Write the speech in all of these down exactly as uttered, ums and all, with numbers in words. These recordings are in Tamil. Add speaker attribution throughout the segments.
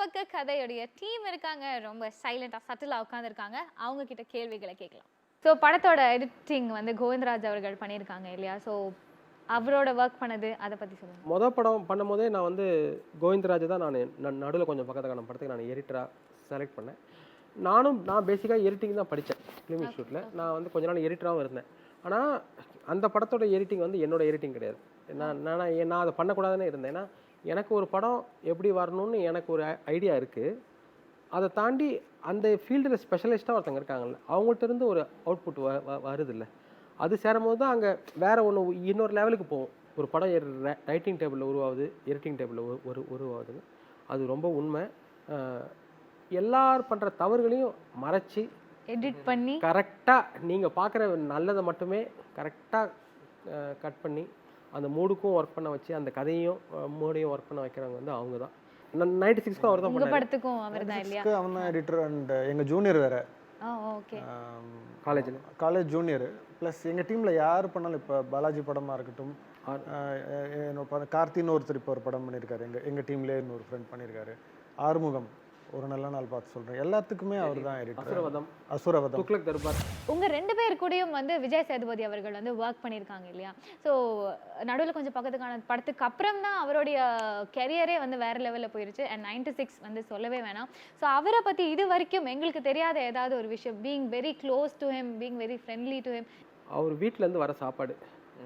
Speaker 1: பக்க கதையுடைய டீம் இருக்காங்க, ரொம்ப சைலண்டா சட்டிலா உட்காந்துருக்காங்க. அவங்க கிட்ட கேள்விகளை கேட்கலாம். ஸோ படத்தோட எடிட்டிங் வந்து கோவிந்தராஜ் அவர்கள் பண்ணியிருக்காங்க இல்லையா? ஸோ அவரோட ஒர்க் பண்ணது அதை பற்றி சொல்லுங்கள்.
Speaker 2: மொதல் படம் பண்ணும்போதே நான் வந்து கோவிந்தராஜ் தான் நான் நான் நடுவில் கொஞ்சம் பக்கத்துக்கான படத்துக்கு நான் எடிட்டராக செலக்ட் பண்ணேன். நானும் நான் பேசிக்காக எடிட்டிங் தான் படித்தேன் ஃபிலிம் இன்ஸ்டியூட்டில். நான் வந்து கொஞ்ச நாள் எடிட்டராகவும் இருந்தேன். ஆனால் அந்த படத்தோட எடிட்டிங் வந்து என்னோட எடிட்டிங் கிடையாது. நான் நான் நான் அதை பண்ணக்கூடாதுன்னு இருந்தேன். ஏன்னா எனக்கு ஒரு படம் எப்படி வரணும்னு எனக்கு ஒரு ஐடியா இருக்குது. அதை தாண்டி அந்த ஃபீல்டில் ஸ்பெஷலிஸ்ட்டாக ஒருத்தங்க இருக்காங்கல்ல, அவங்கள்ட்ட இருந்து ஒரு அவுட்புட் வ வருது இல்லை, அது சேரும்போது தான் அங்கே வேறு ஒன்று இன்னொரு லெவலுக்கு போகும். ஒரு படம் ரைட்டிங் டேபிளில் உருவாகுது, எடிட்டிங் டேபிளில் ஒரு உருவாகுதுன்னு அது ரொம்ப உண்மை. எல்லாரும் பண்ணுற தவறுகளையும் மறைச்சி
Speaker 1: எடிட் பண்ணி
Speaker 2: கரெக்டாக நீங்கள் பார்க்குற நல்லதை மட்டுமே கரெக்டாக கட் பண்ணி அந்த மூடுக்கும் ஒர்க் பண்ண வச்சு அந்த கதையும் மூடையும் ஒர்க் பண்ண வைக்கிறவங்க வந்து அவங்க தான். நைன்டி சிக்ஸ்க்கும் அவர் தான் பண்ணாரு.
Speaker 1: படத்துக்கும் அவர் தான் இல்லையா?
Speaker 3: அவன் தான் எடிட்டர். அண்ட் எங்கள் ஜூனியர் வேறு
Speaker 1: ஓகே
Speaker 3: காலேஜில் காலேஜ் ஜூனியர். ப்ளஸ் எங்கள் டீமில் யார் பண்ணாலும் இப்போ பாலாஜி படமாக இருக்கட்டும், என்னோட கார்த்தின்னு ஒருத்தர் இப்போ ஒரு படம் பண்ணியிருக்காரு. எங்கள் எங்கள் டீம்லேயே இன்னொரு ஃப்ரெண்ட் பண்ணியிருக்காரு. ஆறுமுகம் ஒரு நல்ல நாள் பார்த்து சொல்கிறேன். எல்லாத்துக்குமே அவர் தான் எடிட்டர்.
Speaker 2: அசுரவதம்
Speaker 3: அசுரவதம்
Speaker 2: துக்ளக் தர்பார்.
Speaker 1: உங்கள் ரெண்டு பேர் கூடயும் வந்து விஜய் சேதுபதி அவர்கள் வந்து ஒர்க் பண்ணியிருக்காங்க இல்லையா? ஸோ நடுவில் கொஞ்சம் பக்கத்துக்கான படத்துக்கு அப்புறம் தான் அவருடைய கெரியரே வந்து வேறு லெவலில் போயிருச்சு. அண்ட் நைன்டி சிக்ஸ் வந்து சொல்லவே வேணாம். ஸோ அவரை பற்றி இது வரைக்கும் எங்களுக்கு தெரியாத ஏதாவது ஒரு விஷயம், being very close to him, being very friendly to him.
Speaker 2: அவர் வீட்டிலேருந்து வர சாப்பாடு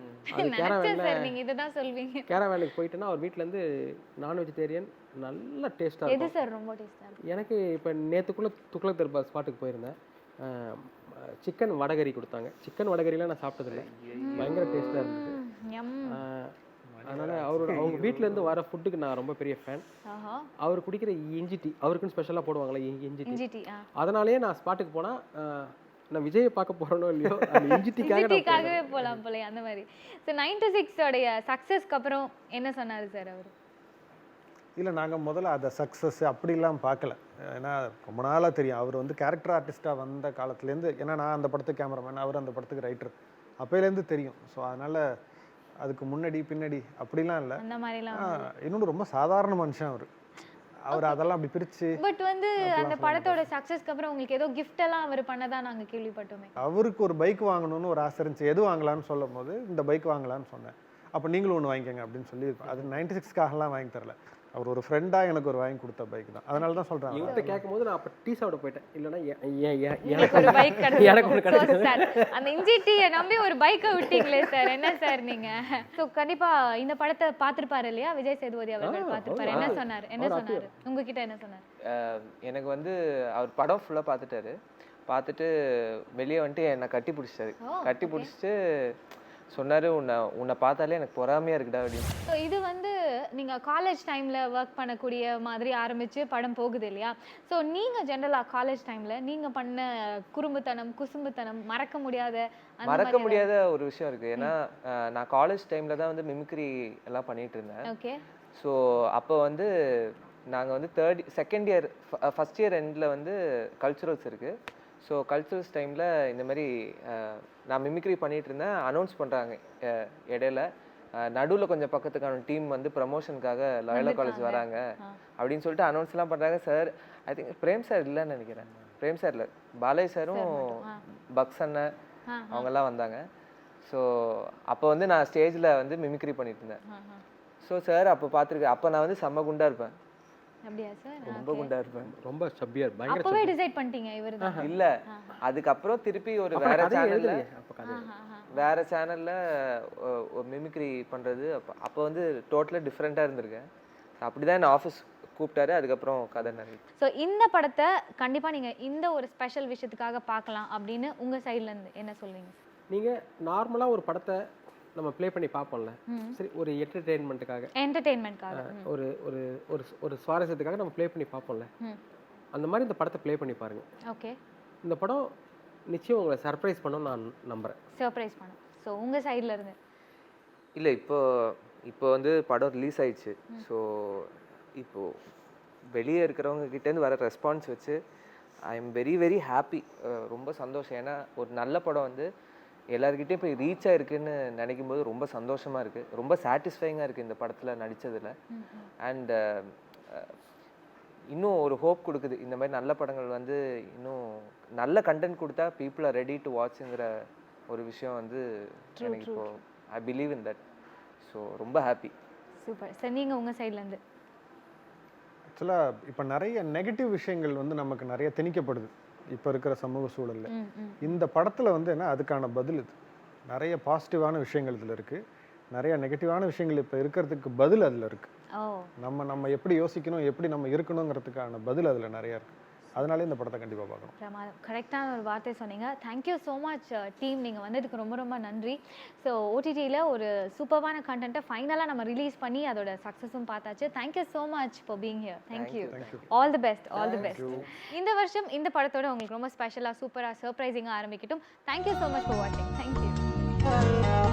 Speaker 1: நீங்க இதுதான் சொல்வீங்க.
Speaker 2: கேரவேனுக்கு போயிட்டுன்னா அவர் வீட்டிலேருந்து நான் வெஜிடேரியன் நல்ல டேஸ்ட்டாக
Speaker 1: எது சார் ரொம்ப டேஸ்ட்டாக இருக்கும்?
Speaker 2: எனக்கு இப்போ நேற்றுக்குள்ளே துக்ளக் தர்பார் ஸ்பாட்டுக்கு போயிருந்தேன். சிக்கன் வடகரி கொடுத்தாங்க. சிக்கன் வடகரிலாம் நான் சாப்பிட்டதில்லை, பயங்கர டேஸ்ட்டாக இருந்தது. அதனால் அவரோட அவங்க வீட்டிலேருந்து வர ஃபுட்டுக்கு நான் ரொம்ப பெரிய ஃபேன். அவர் குடிக்கிற இஞ்சி டீ அவருக்குன்னு ஸ்பெஷலாக போடுவாங்களே இஞ்சி டீ, அதனாலேயே நான் ஸ்பாட்டுக்கு போனால் நான் விஜயை பார்க்க போகிறோனோ இல்லையோ இஞ்சி
Speaker 1: டீக்காகவே போகலாம் போல அந்த மாதிரி. ஸோ நைன்டி சிக்ஸோடைய சக்ஸஸ்க்கு அப்புறம் என்ன சொன்னார் சார் அவர்?
Speaker 3: இல்லை, நாங்கள் முதல்ல அதை சக்ஸஸ் அப்படிலாம் பார்க்கல. ஏன்னா ரொம்ப நாளாக தெரியும் அவர் வந்து கேரக்டர் ஆர்டிஸ்ட்டாக வந்த காலத்துலேருந்து. ஏன்னா நான் அந்த படத்துக்கு கேமராமேன், அவர் அந்த படத்துக்கு ரைட்டர், அப்போலேருந்து தெரியும். ஸோ அதனால் அதுக்கு முன்னாடி பின்னாடி அப்படிலாம் இல்லை.
Speaker 1: அந்த மாதிரிலாம்
Speaker 3: இன்னொன்று ரொம்ப சாதாரண மனுஷன் அவர். அவர் அதெல்லாம் அப்படி பிரித்து.
Speaker 1: பட் வந்து அந்த படத்தோட சக்ஸஸ்க்கு அப்புறம் உங்களுக்கு ஏதோ கிஃப்ட் எல்லாம் அவர் பண்ணதா நாங்கள் கேள்விப்பட்டோமே.
Speaker 3: அவருக்கு ஒரு பைக் வாங்கணும்னு ஒரு ஆசை இருந்துச்சு. எது வாங்கலான்னு சொல்லும் போது இந்த பைக் வாங்கலான்னு சொன்னேன். அப்போ நீங்களும் ஒன்று வாங்கிக்கோங்க அப்படின்னு சொல்லியிருப்பேன். அது நைன்டி சிக்ஸ்க்காகலாம் வாங்கி தரல, அவர் ஒரு ஃப்ரெண்டாக எனக்கு ஒரு வாங்கி கொடுத்த பைக் தான். அதனால தான் சொல்கிறேன்.
Speaker 2: இவங்க கேட்கும் போது நான் அப்போ டீ சாப்பிட போயிட்டேன். இல்லைன்னா
Speaker 1: எனக்கு ஒரு பைக் கிடையாது. அந்த இஞ்சி டீயை நம்பி ஒரு பைக்கை விட்டீங்களே சார், என்ன சார் நீங்கள்? ஸோ கண்டிப்பாக இந்த படத்தை பார்த்துருப்பாரு இல்லையா விஜய் சேதுபதி அவர்கள்? பார்த்துருப்பாரு. என்ன சொன்னார் என்ன சொன்னார் உங்ககிட்ட என்ன சொன்னார்?
Speaker 4: எனக்கு வந்து அவர் படம் ஃபுல்லாக பார்த்துட்டாரு. பார்த்துட்டு வெளியே வந்துட்டு என்னை கட்டி பிடிச்சிட்டாரு. கட்டி பிடிச்சிட்டு சொன்னார், உன்னை உன்னை பார்த்தாலே எனக்கு பொறாமையாக இருக்குடா அப்படின்னு.
Speaker 1: ஸோ இது வந்து நீங்கள் காலேஜ் டைமில் ஒர்க் பண்ணக்கூடிய மாதிரி ஆரம்பித்து படம் போகுது இல்லையா? ஸோ நீங்கள் ஜென்ரலாக காலேஜ் டைமில் நீங்கள் பண்ண குறும்புத்தனம் குசும்புத்தனம் மறக்க முடியாத
Speaker 4: மறக்க முடியாத ஒரு விஷயம் இருக்குது. ஏன்னா நான் காலேஜ் டைமில் தான் வந்து மிமிக்ரி எல்லாம் பண்ணிகிட்டு இருந்தேன்.
Speaker 1: ஓகே.
Speaker 4: ஸோ அப்போ வந்து நாங்கள் வந்து third second year first year எண்டில் வந்து கல்ச்சுரல்ஸ் இருக்குது. ஸோ கல்ச்சுரல்ஸ் டைமில் இந்த மாதிரி நான் மிமிக்ரி பண்ணிகிட்டு இருந்தேன். அனௌன்ஸ் பண்ணுறாங்க இடையில, நடுவில் கொஞ்சம் பக்கத்துக்கான டீம் வந்து ப்ரமோஷனுக்காக லாயலா காலேஜ் வராங்க அப்படின்னு சொல்லிட்டு அனௌன்ஸ்லாம் பண்ணுறாங்க. Sir I think Prem sir இல்லைன்னு நினைக்கிறேன். பிரேம் சார் இல்லை, பாலாஜி சாரும் பக்ஸ் அண்ணன் அவங்கெல்லாம் வந்தாங்க. ஸோ அப்போ வந்து நான் ஸ்டேஜில் வந்து மிமிக்ரி பண்ணிட்டு இருந்தேன். ஸோ சார் அப்போ பார்த்துருக்கேன். அப்போ நான் வந்து செம்ம குண்டா இருப்பேன்.
Speaker 1: அப்படியா சார்?
Speaker 4: ரொம்ப குண்டா இருப்பேன்,
Speaker 2: ரொம்ப சப்பியா இருப்பேன்.
Speaker 1: அப்பவே டிசைட் பண்ணிட்டீங்க இவர்தான்?
Speaker 4: இல்ல, அதுக்கப்புறம் திருப்பி ஒரு வேற சேனல்ல வேற சேனல்ல ஒரு மிமிக்ரி பண்றது. அப்போ வந்து டோட்டலா டிஃப்ரெண்டா இருந்திருக்கேன். அப்படிதான் என்ன ஆஃபீஸ் கூப்பிட்டாரு. அதுக்கப்புறம் கதை நிறைய.
Speaker 1: ஸோ இந்த படத்தை கண்டிப்பா நீங்க இந்த ஒரு ஸ்பெஷல் விஷயத்துக்காக பார்க்கலாம் அப்படின்னு உங்க சைட்ல இருந்து என்ன சொல்வீங்க?
Speaker 2: நீங்க நார்மலா ஒரு படத்தை நம்ம ப்ளே பண்ணி பார்ப்போம்ல, சரி ஒரு என்டர்டெயின்மெண்ட்டுக்காக
Speaker 1: என்டர்டெயின்மெண்ட்காக ஒரு
Speaker 2: ஒரு ஒரு ஒரு சுவாரஸ்யத்துக்காக நம்ம ப்ளே பண்ணி பார்ப்போம்ல, அந்த மாதிரி இந்த படத்தை ப்ளே பண்ணி பாருங்க.
Speaker 1: ஓகே. இந்த
Speaker 2: படம் நிச்சயம் உங்களை சர்ப்ரைஸ் பண்ணணும்னு நான் நம்புறேன்.
Speaker 1: சர்ப்ரைஸ் பண்ணும். ஸோ உங்க சைடில் இருந்து
Speaker 4: இல்லை, இப்போ இப்போ வந்து படம் ரிலீஸ் ஆயிடுச்சு. ஸோ இப்போ வெளியே இருக்கிறவங்க கிட்டேருந்து வர ரெஸ்பான்ஸ் வச்சு I am very very happy. ரொம்ப சந்தோஷம். ஏன்னா ஒரு நல்ல படம் வந்து எல்லாருக்கிட்டே போய் ரீச் ஆகிருக்குன்னு நினைக்கும் போது ரொம்ப சந்தோஷமாக இருக்குது, ரொம்ப சாட்டிஸ்ஃபைங்காக இருக்குது இந்த படத்தில் நடித்ததில். அண்ட் இன்னும் ஒரு ஹோப் கொடுக்குது. இந்த மாதிரி நல்ல படங்கள் வந்து இன்னும் நல்ல கண்டென்ட் கொடுத்தா பீப்புள் ஆர் ரெடி டு வாட்ச்ங்கிற ஒரு விஷயம் வந்து எனக்கு இப்போ I believe in that. So ரொம்ப ஹாப்பி.
Speaker 1: Super sir. நீங்கள் உங்கள் சைட்லேருந்து?
Speaker 3: ஆக்சுவலாக இப்போ நிறைய நெகட்டிவ் விஷயங்கள் வந்து நமக்கு நிறைய திணிக்கப்படுது இப்போ இருக்கிற சமூக சூழலில். இந்த படத்தில் வந்து என்ன அதுக்கான பதில் இது. நிறைய பாசிட்டிவான விஷயங்கள் இதில் இருக்குது, நிறைய நெகட்டிவான விஷயங்கள் இப்போ இருக்கிறதுக்கு பதில் அதில் இருக்குது. நம்ம நம்ம எப்படி யோசிக்கணும், எப்படி நம்ம இருக்கணுங்கிறதுக்கான பதில் அதில் நிறையா இருக்குது. அதனால இந்த படத்தை கண்டிப்பாக பார்க்கணும்.
Speaker 1: பிரமாதம். கரெக்டான ஒரு வார்த்தை சொன்னீங்க. Thank you so much team. நீங்கள் வந்ததுக்கு ரொம்ப ரொம்ப நன்றி. ஸோ ஓடிடியில் ஒரு சூப்பர்வான கண்டென்ட்டை ஃபைனலாக நம்ம ரிலீஸ் பண்ணி அதோட சக்ஸஸும் பார்த்தாச்சு. Thank you so much for being here. Thank you. All the best. All the best. இந்த வருஷம் இந்த படத்தோட உங்களுக்கு ரொம்ப ஸ்பெஷலாக சூப்பராக சர்ப்ரைசிங்காக ஆரம்பிக்கட்டும். தேங்க்யூ ஸோ மச் ஃபார் வாட்சிங். தேங்க்யூ.